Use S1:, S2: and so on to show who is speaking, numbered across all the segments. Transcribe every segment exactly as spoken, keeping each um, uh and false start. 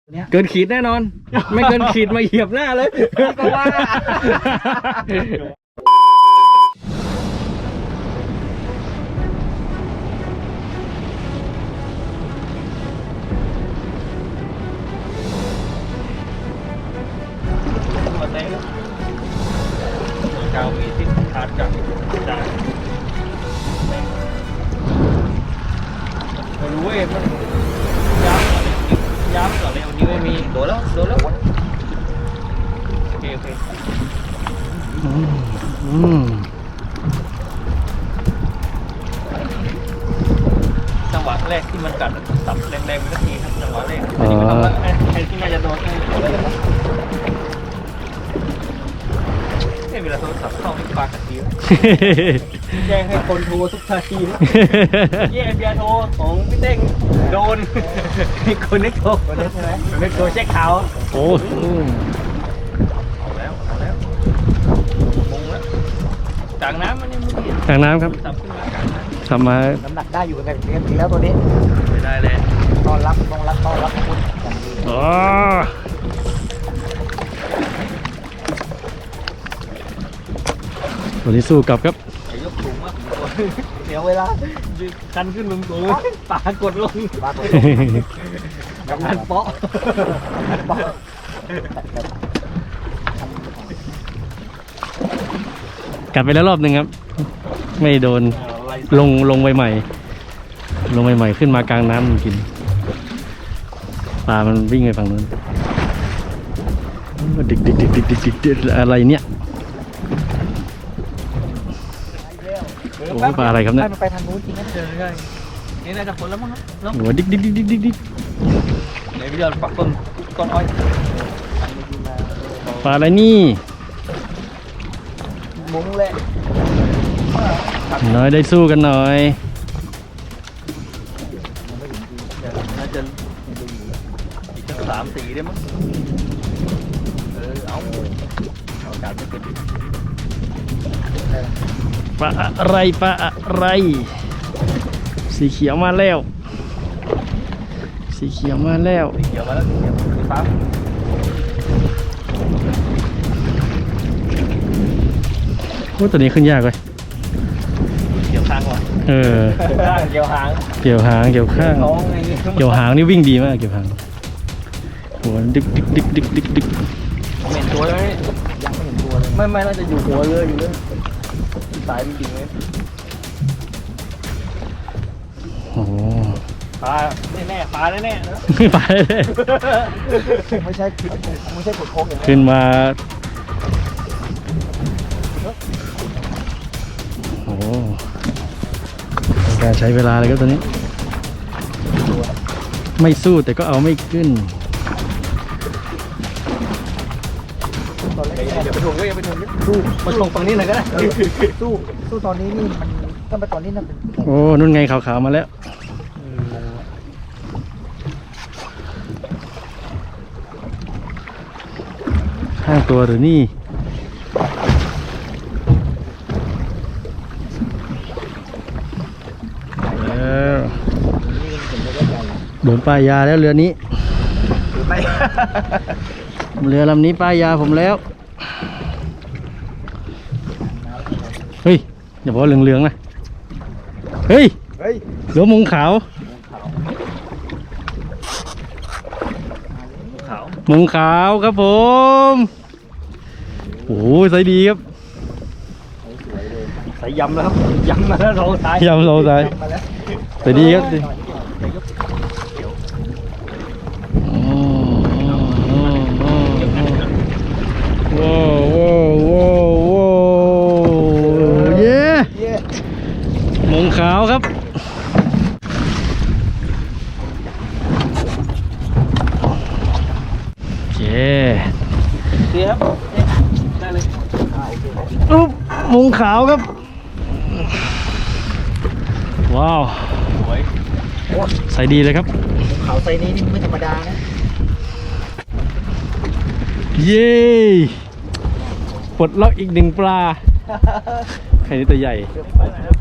S1: เกินขีดแน่นอนไม่เกินขีดมาเหยียบหน้าเลยก็ว่า
S2: เก้ามีที่ขาดจากจากไม่รู้เว้ยมันย้ำย้ำก่อนเลยวันนี้ไม่มีโดนแล้วโดนแล้วโอเคโอเคจังหวะแรกที่มันกัดสับแรงๆมันก็ทีครับจังหวะแรกไอ้ที่มันทำแล้วไอ้ที่น่าจะโดนไอ้เวลาโทรศัพท์เข้าไม่ปากกระดิ่งแจ้งให้คนโทรทุกนาทีแย่เบียร์โทรของพี่เต้งโดนคนนึกโทรคนนึกใช่ไหมคนนึกโทรเช็คข่าว
S1: โอ้
S2: เอาแล้วเอาแล้วมุงแล้วจากน้ำมันยังไม่เห็น
S1: จากน้ำครับ
S2: สับขึ้นมากลางน้ำ
S1: ทำมา
S3: น้ำหนักได้อยู่ในเนี้ยแล้วตัวนี้
S2: ไม่ได้เลย
S3: ต้อนรับต้องรับต้อนรับคุณอย่างดี
S1: อ๋อตัวนี้สู้กลับครับ
S2: ไอ้ยกสูงมากเดี๋ยวเวลาคันขึ้นลงสูงปากดลง
S3: บ้าตัว
S2: กำนันเปาะ
S1: กัดไปแล้วรอบหนึ่งครับ ไม่โดนลงลงใหม่ๆลงใหม่ๆขึ้นมากลางน้ำมันกินปลามันวิ่งไปฝั่งนู้นดิกดิกดิกดิกดิกดิกอะไรเนี่ยโอ้ปลาอะไรครับเนี่ย
S3: มันไปทางนู้นจริงนะ
S2: เจอได้นี่น่าจะผลแล้วมั้งครับ
S1: โอ้ดิกดิกดิกดิกดิกดิก
S2: ในวิดีโอปักต้นต้นอ้อย
S1: ปลาอะไรนี่
S3: มุ้งแหละ
S1: น้อยได้สู้กันหน่อย
S2: น่าจะอีกสักสามสี่ได้มั้งเออเอาเอาการไม่เป็น
S1: ปลาอะไรปลาอะไรสีเขียวมาแล้วสีเขียวมาแล้ว
S2: เกี่ยวมาแล้วเกี่ยวสีฟ้า
S1: โอ้ตัวนี้ขึ้นยากเลย
S2: เกี่ยวข้างว่ะ
S1: เออ
S2: เกี่ยวหาง
S1: เกี่ยวหางเกี่ยวข้าง
S2: ท้องไง
S1: เกี่ยวหางนี่วิ่งดีมากเกี่ยวหางโหัวดิกดิกดิกดิกดิกดิก
S2: ผมเห็นตัวแล้ว
S3: ยังไม่เห็นตัวเลย
S2: ไม่ไม่น่าจะอยู่หัวเรืออยู่เลยสายจริงๆเลย
S1: โอ้โห
S2: ปลาแน่ๆปลาแน่ๆนะ
S1: ไปเลย
S3: ไม่ใช่ไม่ใช่กดโค้งอย่างนี้
S1: ขึ้นมาโอ้โหการใช้เวลาเลยครับตอนนี้ ไม่สู้แต่ก็เอาไม่ขึ้น
S3: ตอนแรก
S2: อย่าไปถ่วงก็อย่าไปถ่วงสู้มาถ่วงฝั่งนี้หน่อยก็ได้
S3: สู้สู้ตอนนี้นี่มันก็ไปตอนนี้นั่นเป็น
S1: โอ้นุ่นไงขาวๆมาแล้วข้างตัวหรือนี่โดนป้ายยาแล้วเรือนี้
S3: ไป
S1: เรือลำนี้ป้ายยาผมแล้วเฮ้ยอย่าบอกว่าเหลืองๆนะเฮ้ย
S3: เฮ้ย
S1: เรือมุงขาว
S2: ขาว
S1: มุงขาวครับผมโอ้โหใส่ดีครับ
S2: ใส่ยำแล้วครับยำมาแล้วรองท้าย
S1: ยำเราใส่
S3: มาแล้ว
S1: ใส่ดีครับโอ้โหโอ้โหโอ้โหเย้
S3: เย้
S1: มุงขาวครับโอเค
S2: เสียครับได้เลย
S1: อุ๊บมุงขาวครับว้าว
S2: สวย
S1: ใส่ดีเลยครับ
S3: เขาไซนี้นี่ไม่ธรรมดานะ
S1: เย้ปลดล็อกอีกหนึ่งปลาไข่นี่ตัวใหญ่
S2: ไปไหนครับ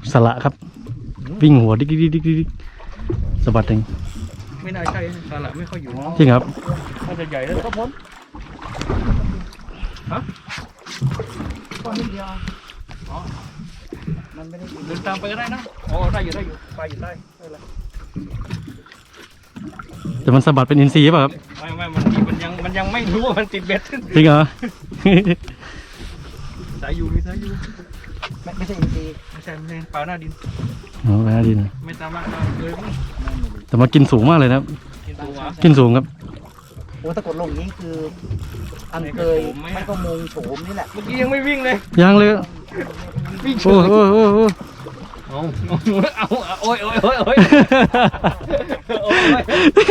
S1: สละครับ วิ่งหัวดิ๊กดิ๊กดิ๊กดิ๊กสะบัดเอง
S2: ไม่น่าใช่สาระไม่ค่อยอยู่
S1: จริงครับ
S2: น่าจะใหญ่แล้วก็พ้นฮะ
S3: ก้อนนิดเดียว
S2: อ๋อ
S3: มันไม่ได้กิน
S2: เดินตามไปก็ได้นะอ๋อได้อยู่ได้อยู่ไปอยู่ได้ได้เลย
S1: แต่มันสะบัดเป็นอินทรีย์ป่ะครับ
S2: ไม่ไม่มันมันยังมันยังไม่รู้ว่ามันติดเบ็ด
S1: จริงเหรอ
S2: สายอยู่มีสายอยู่
S3: ไม่ไม่ใช่อินทรีย์
S2: ไม่ใช่ไม่ใช่ปลาหน้าดิน
S1: อ๋อแม่ดิน
S2: ไม่ตามมาเลยมั้ง
S1: แต่มากินสูงมากเลยนะครับ
S2: กินตัววะ
S1: กินสูงครับ
S3: โอ้ถ้ากดลงอย่างนี้คืออันเคยไม่ก็มงโฉมนี่แหละ
S2: เมื่อกี้ยังไม่วิ่งเลย
S1: ยังเลย
S2: วิ่งเฉ
S1: โอ้
S2: ย
S1: โหโอ้โหโอ้โห
S2: เอาเอาเอาโอ้ยโอ้ยโอ้ยโอ้ยโอ้ย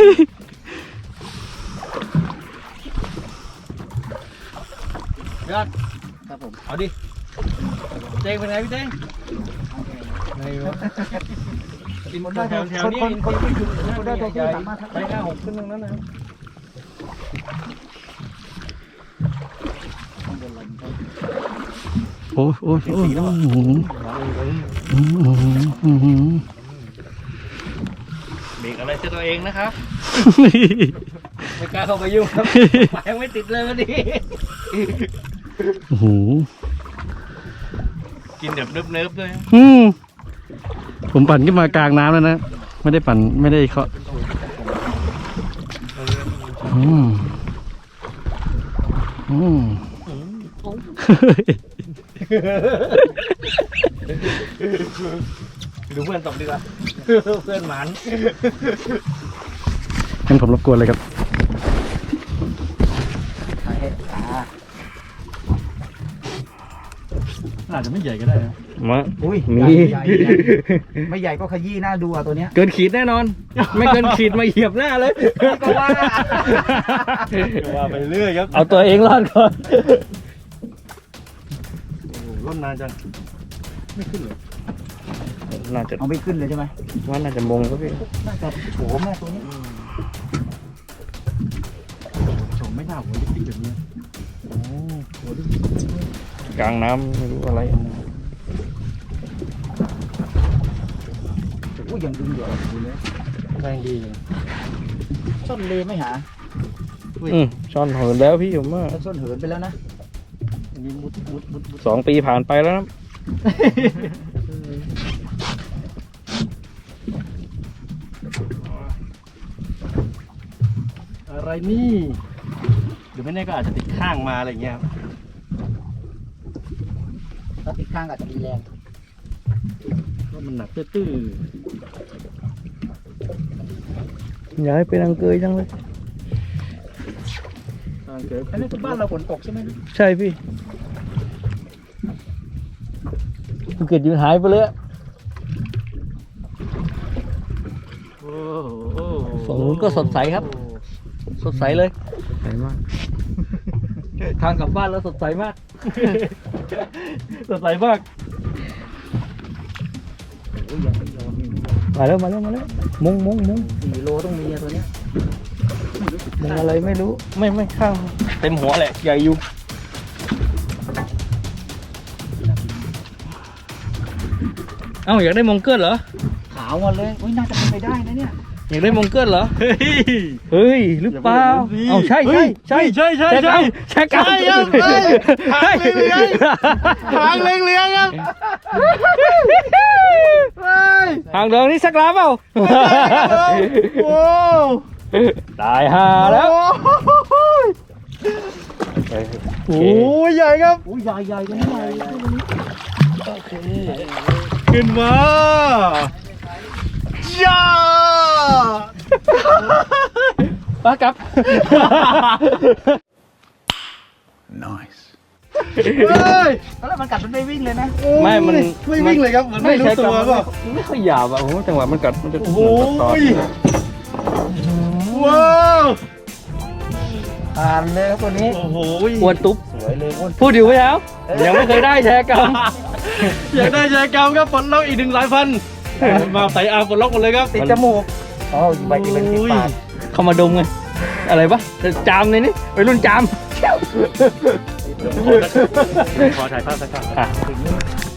S2: ยอด
S3: ครับผม
S2: เอาดิเจ๊งเป็นไงพี่เจ๊งไงวะกิน
S3: คน
S2: แถ
S3: ได้
S2: วแถว
S3: คน
S2: นี้
S3: คนคนที่อยู่คนได้ตัวที่สามารถ
S2: ไปห้าหกขึ้นตรงนั้นนะ
S1: โอ้ยโอ้ยโอ้ยโอ้โหโอ้โหโอ้โห
S2: เบรกอะไรเจ้าตัวเองนะครับไม่กล้าเข้าไปยุ่งครับไปยังไม่ติดเลยวันนี้
S1: โอ้โห
S2: กินแบบเนิบๆด้วย
S1: อืมผมปั่นขึ้นมากลางน้ำแล้วนะ ไม่ได้ปั่นไม่ได้เคาะอืมอืม
S2: ดูเพื่อนตบดีกว่าเพื่อนหมัน
S1: งั้นผมรบกวนเลยครับ อาจจะไม่ใหญ่ก็ได้นะ
S2: มา
S3: อุ้ย
S2: มี
S3: ใหญ่ใหญ่ไม่ใหญ่ก็ขยี้หน้าดูอ่ะตัวเนี้ย
S2: เกินขีดแน่นอน ไม่เกินขีดมาเหยียบหน้าเลย
S3: ก็ว่า
S2: ว่าไปเรื่อยครับ
S1: เอาตัวเองรอดก่อน
S2: ร่นนานจังไม่ขึ้นเลยน่าจะ
S3: เอาไม่ขึ้นเลยใช่ไหม
S2: ว่าน่าจะมงครับพี่
S3: น่าจะโฉมแม่ตัวนี้
S1: โฉมไม่น่าหัวติ๊กแบบนี้
S2: กลางน้ำไม่รู้อะไร
S3: อุ้ยยังดึงเดี๋ยวอยู่เลย
S1: แรงดี
S3: ส้นเลไม่หา
S2: อืมช้อนเหินแล้วพี่ผมว่า
S3: แล้วส้นเหินไปแล้วนะ
S2: สองปีผ่านไปแล้วนะ
S1: อะไรนี่หรือไม่แน่ก็อาจจะติดข้างมาอะไรเงี้ยครับ
S3: ถ้าติดข้างอาจจะมีแรง
S1: เพราะมันหนักตื้อ
S2: ย้ายไปทางเกยจังเลย
S1: ๆทางเกิด
S3: อันนี้คือบ้านเราฝนตกใช่ไหม
S2: ใช่พี่ภูเก็ตยืนหายไปเลย
S1: โอ้โห
S2: ฝั่งนู้นก็สดใสครับ สดใสเลยใสมาก ทางกลับบ้านแล้วสดใสมาก
S1: สดใสมาก
S3: โอ้ยยังไม่ยอม
S2: มาแล้วมาแล้วมาแล้วมุงมุงมุง
S3: สี่โลต้องมีอะตัวเนี้ย
S2: มุงอะไรไม่รู้ ไม่ไม่ข้างเต็มหัวแหละใหญ่อยู่เอ้าอยากได้มงเกิลเหรอ
S3: ขาวหมดเลยอุ้ยน่าจะเป็นไปได้นะเนี่ย
S2: อยากได้มงเกิลเหรอ
S1: เฮ้ย
S2: เฮ้ยหรือเปล่าเอ้าใช่ใช่ใช่
S1: ใช่ใช่ใช่
S2: แช็คเอา
S1: ใช่ครับเฮ้ยหางเลี้ยงหางเลี้ยงๆครับเฮ้ย
S2: หางเดิงนี่สักล้าเปล่า
S1: โอ้
S2: ตายห่าแล้ว
S1: โหใหญ่ครับ
S3: อุ้ยใหญ่ใหญ่ตัวนี้ใหญ่
S1: ขึ้นมาย่า
S2: ป้ากับ
S1: เฮ้ย
S3: แล้วมันกัดมันไม่วิ่งเลยนะ
S2: ไม่มัน
S1: ไม่วิ่งเลยครับเหมือนไม่รู้ตัว
S2: ก็
S1: ก็
S2: ไม่ค่อยหยาบอ่ะโอ้โหจังหวะมันกัดมันจะ
S1: โอ้โห
S2: ตอด
S1: ว้าว
S3: ผ่านเลยครับตัวนี้
S1: โอ้โห
S2: อ้วนตุ๊บ
S3: สวยเลยอ้วน
S2: พูดอยู่ไหมครับยังไม่เคยได้แชร์กรรม
S1: อยากได้แชร์กรรมครับปลดล็อกอีกหนึ่งสายพันธุ์มาใส่อาร์มปลดล็อกหมดเลยครับ
S3: ติดจมูกอ๋อใบที่เป็นติดปาก
S2: เข้ามาดมไงอะไรปะจามเลยนี่ไปรุ่นจาม
S1: ขอถ่ายภาพสักภาพ
S2: อ่ะ
S3: ถึง